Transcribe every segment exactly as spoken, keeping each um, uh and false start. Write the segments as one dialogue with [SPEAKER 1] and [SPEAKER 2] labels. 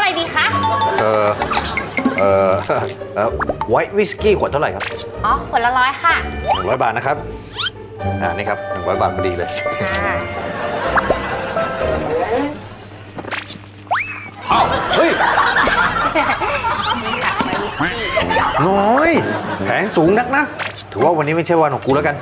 [SPEAKER 1] อะไรดีคะ
[SPEAKER 2] เออเออเออไวท์วิสกี้ขวดเท่าไหร่ครับ
[SPEAKER 1] อ๋อขวดละร้อยค่ะ
[SPEAKER 2] หนึ่งร้อยบาทนะครับอ่านี่ครับหนึ่งร้อยบาทพอดีเลยอ้าวเฮ้ยน้อยแผงสูงนักนะถือว่าวันนี้ไม่ใช่วันของกูแล้วกัน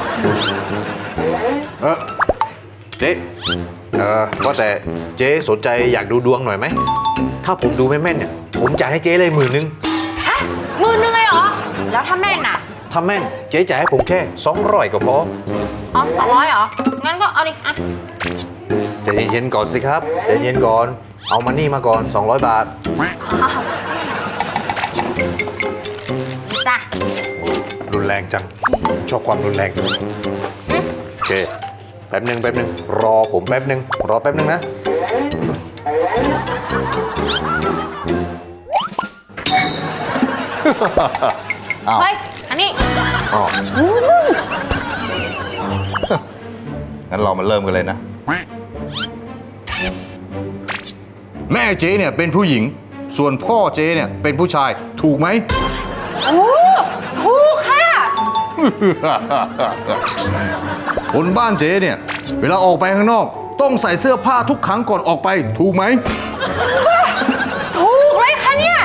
[SPEAKER 2] เออเจ๊เออว่าแต่เจ๊สนใจอยากดูดวงหน่อยไหมถ้าผมดูไม่แม่นเนี่ยผมจ่ายให้เจ๊เลยหมื่นนึง
[SPEAKER 1] ฮะหมื่นนึงเลยเหรอแล้วถ้าแม่นอ่ะ
[SPEAKER 2] ถ้าแม่นเจ๊จ่ายให้ผมแค่สองร้อยก็พอ
[SPEAKER 1] อ๋อสองร้อยเหรองั้นก็เอาดิอ่ะ
[SPEAKER 2] ใจเย็นๆก่อนสิครับใจเย็นก่อนเอามานี่มาก่อนสองร้อยบาท
[SPEAKER 1] จ้ะ
[SPEAKER 2] รุนแรงจังชอบความรุนแรงโอเคแป๊บหนึ่งแป๊บหนึ่งรอผมแป๊บหนึ่งรอแป๊บหนึ่งนะ
[SPEAKER 1] เฮ้ยอันนี้
[SPEAKER 2] อ๋องั้นเรามาเริ่มกันเลยนะแม่เจ๊เนี่ยเป็นผู้หญิงส่วนพ่อเจ๊เนี่ยเป็นผู้ชายถูกไหม
[SPEAKER 1] โอ้ถูกค่ะ
[SPEAKER 2] คนบ้านเจ๊เนี่ยเวลาออกไปข้างนอกต้องใส่เสื้อผ้าทุกครั้งก่อนออกไปถูกไหม
[SPEAKER 1] ถูกเลยค่ะเนี่ย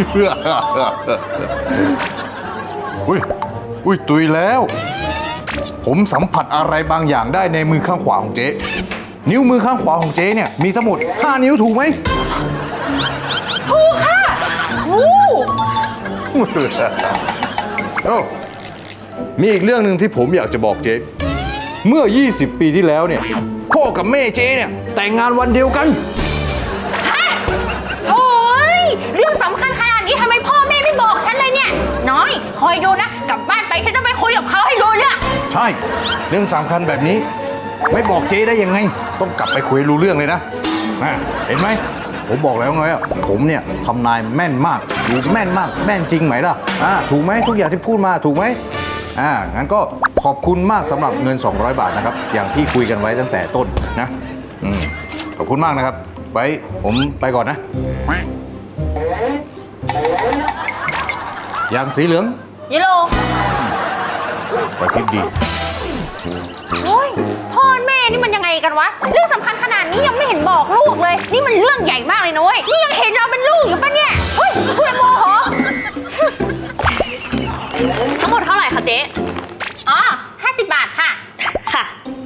[SPEAKER 2] อุ้ยอุ้ยตุยแล้วผมสัมผัสอะไรบางอย่างได้ในมือข้างขวาของเจ๊นิ้วมือข้างขวาของเจ๊เนี่ยมีทั้งหมดห้านิ้วถูกไหม
[SPEAKER 1] ถูกค่ะถูก
[SPEAKER 2] โอ้มีอีกเรื่องหนึ่งที่ผมอยากจะบอกเจ๊เมื่อยี่สิบปีที่แล้วเนี่ยพ่อกับแม่เจ๊เนี่ยแต่งงานวันเดียวกัน
[SPEAKER 1] ฮะโอ้ยเรื่องสำคัญขนาดนี้ทำไมพ่อแม่ไม่บอกฉันเลยเนี่ยน้อยคอยดูนะกลับบ้านไปฉันจะไปคุยกับเขาให้รู้เรื่อง
[SPEAKER 2] ใช่เรื่องสำคัญแบบนี้ไม่บอกเจ๊ได้ยังไงต้องกลับไปคุยรู้เรื่องเลยนะเห็นไหมผมบอกแล้วไงอ่ะผมเนี่ยทำนายแม่นมากดูแม่นมากแม่นจริงไหมล่ะอ่าถูกไหมทุกอย่างที่พูดมาถูกไหมอ่างั้นก็ขอบคุณมากสำหรับเงินสองร้อยบาทนะครับอย่างที่คุยกันไว้ตั้งแต่ต้นนะอืมขอบคุณมากนะครับไว้ผมไปก่อนนะยางสีเหลือง
[SPEAKER 1] ยูโร
[SPEAKER 2] ไปคิดดี
[SPEAKER 1] โอ้ยพ่อแม่นี่มันยังไงกันวะเรื่องสำคัญขนาดนี้ยังไม่เห็นบอกลูกเลยนี่มันเรื่องใหญ่มากเลยนะเว้ยนี่ยังเห็นเราเป็นลูกอยู่ปะเนี่ยเฮ้ยพูดโมโห
[SPEAKER 3] ทั้งหมดเท่าไหร่คะเจ๊
[SPEAKER 1] อ๋อห้าสิบบาทค่ะ
[SPEAKER 3] ค่ะ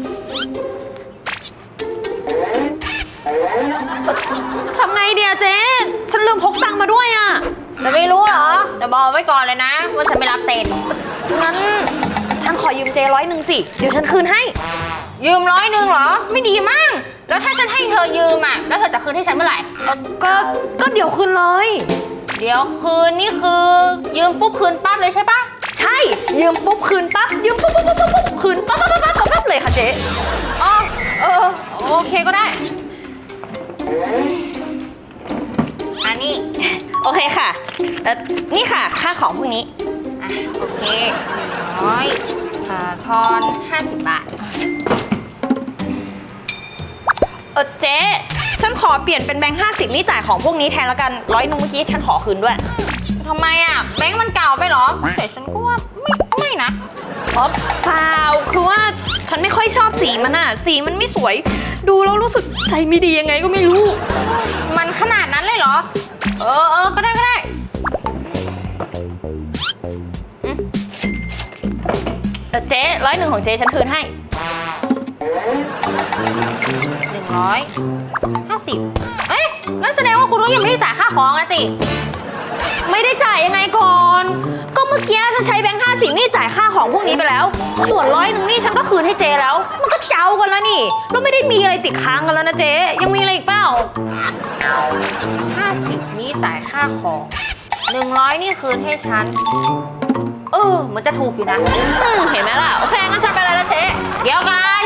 [SPEAKER 3] ทำไงเดียเจ๊ฉันลืมพกตังค์มาด้วยอ่ะ
[SPEAKER 1] จะไม่รู้เหรอจะบอกไว้ก่อนเลยนะว่าฉันไม่รับเซ็น
[SPEAKER 3] งั้นฉันขอยืมเจร้อยหนึ่งสิเดี๋ยวฉันคืนให้
[SPEAKER 1] ยืมร้อยหนึ่งเหรอไม่ดีมั้งแล้วถ้าฉันให้เธอยืมอ่ะแล้วเธอจะคืนให้ฉันเมื่อไหร่
[SPEAKER 3] ก็ก็เดี๋ยวคืนเลย
[SPEAKER 1] เดี๋ยวคืนนี่คือยืมปุ๊บคืนปั๊บเลยใช่ปะ
[SPEAKER 3] ใช่ยืมปุ๊บคืนปั๊บยืมปุ๊บปุ๊บปุ๊บปุ๊บคืนปั๊บปั๊บปั๊บปั๊บปั๊บเลยค่ะเจ๊
[SPEAKER 1] อ๋อเออโอเคก็ได้อันนี้
[SPEAKER 3] โอเคค่ะเออนี่ค่ะค่าของพวกนี้
[SPEAKER 1] อ่ะโอเคร้อยอ่าทอนห้าสิบบาท
[SPEAKER 3] เออเจ๊ฉันขอเปลี่ยนเป็นแบงค์ห้าสิบนี่จ่ายของพวกนี้แทนแล้วกันร้อยนึงเมื่อกี้ฉันขอคืนด้วย
[SPEAKER 1] ทำไมอ่ะแบงค์มันเก่าไปหรอแต่ฉันก็ว่าไม่ไม่นะ
[SPEAKER 3] อ๋อเปล่าคือว่าฉันไม่ค่อยชอบสีมันอ่ะสีมันไม่สวยดูแล้วรู้สึกใจไม่ดียังไงก็ไม่รู้
[SPEAKER 1] มันขนาดนั้นเลยเหรอเออเออก็ได้ก็ได้
[SPEAKER 3] แต่เจ๊ร้อยหนึ่งของเจ๊ฉันคืนให้
[SPEAKER 1] หนึ่งร้อยห้าสิบเอ้ยงั้นแสดงว่าคุณลุงยังไม่ได้จ่ายค่าของอะสิ
[SPEAKER 3] ไม่ได้จ่ายยังไงก่อนก็เมื่อกี้ฉันใช้แบงค์ห้าสิบนี่จ่ายค่าของพวกนี้ไปแล้วส่วนร้อยหนึ่งนี่ฉันก็คืนให้เจ๊แล้วมันก็เจ้ากันแล้วนี่เราไม่ได้มีอะไรติดค้างกันแล้วนะเจ๊ยังมีอะไรอีกเปล่า
[SPEAKER 1] ห้าสิบนี่จ่ายค่าของหนึ่งร้อยนี่คืนให้ฉันเออเหมือนจะถูกอยู่นะ
[SPEAKER 3] เห็นไหมล่ะโอเค
[SPEAKER 1] งั้นฉันไปเลยนะเจ๊เดี๋ยวกัน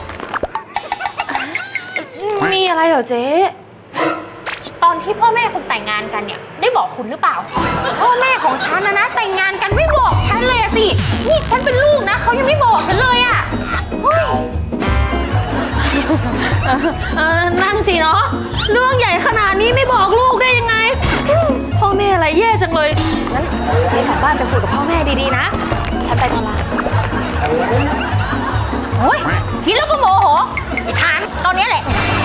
[SPEAKER 3] มีอะไรเหรอเจ๊
[SPEAKER 1] ตอนที่พ่อแม่คุณแต่งงานกันเนี่ยได้บอกคุณหรือเปล่าพ่อแม่ของฉันนะนะแต่งงานกันไม่บอกฉันเลยสินี่ฉันเป็นลูกนะเขายังไม่บอกฉันเลยอ่ะ
[SPEAKER 3] นั่นสิเนาะเรื่องใหญ่ขนาดนี้ไม่บอกลูกได้ยังไงอะไรแย่จังเลย งั้นเจ๊กลับบ้านไปคุยกับพ่อแม่ดีๆนะ ฉันไปธุระ
[SPEAKER 1] โอ้ยคิดแล้วก็โมโหไอ้ทานตอนนี้แหละ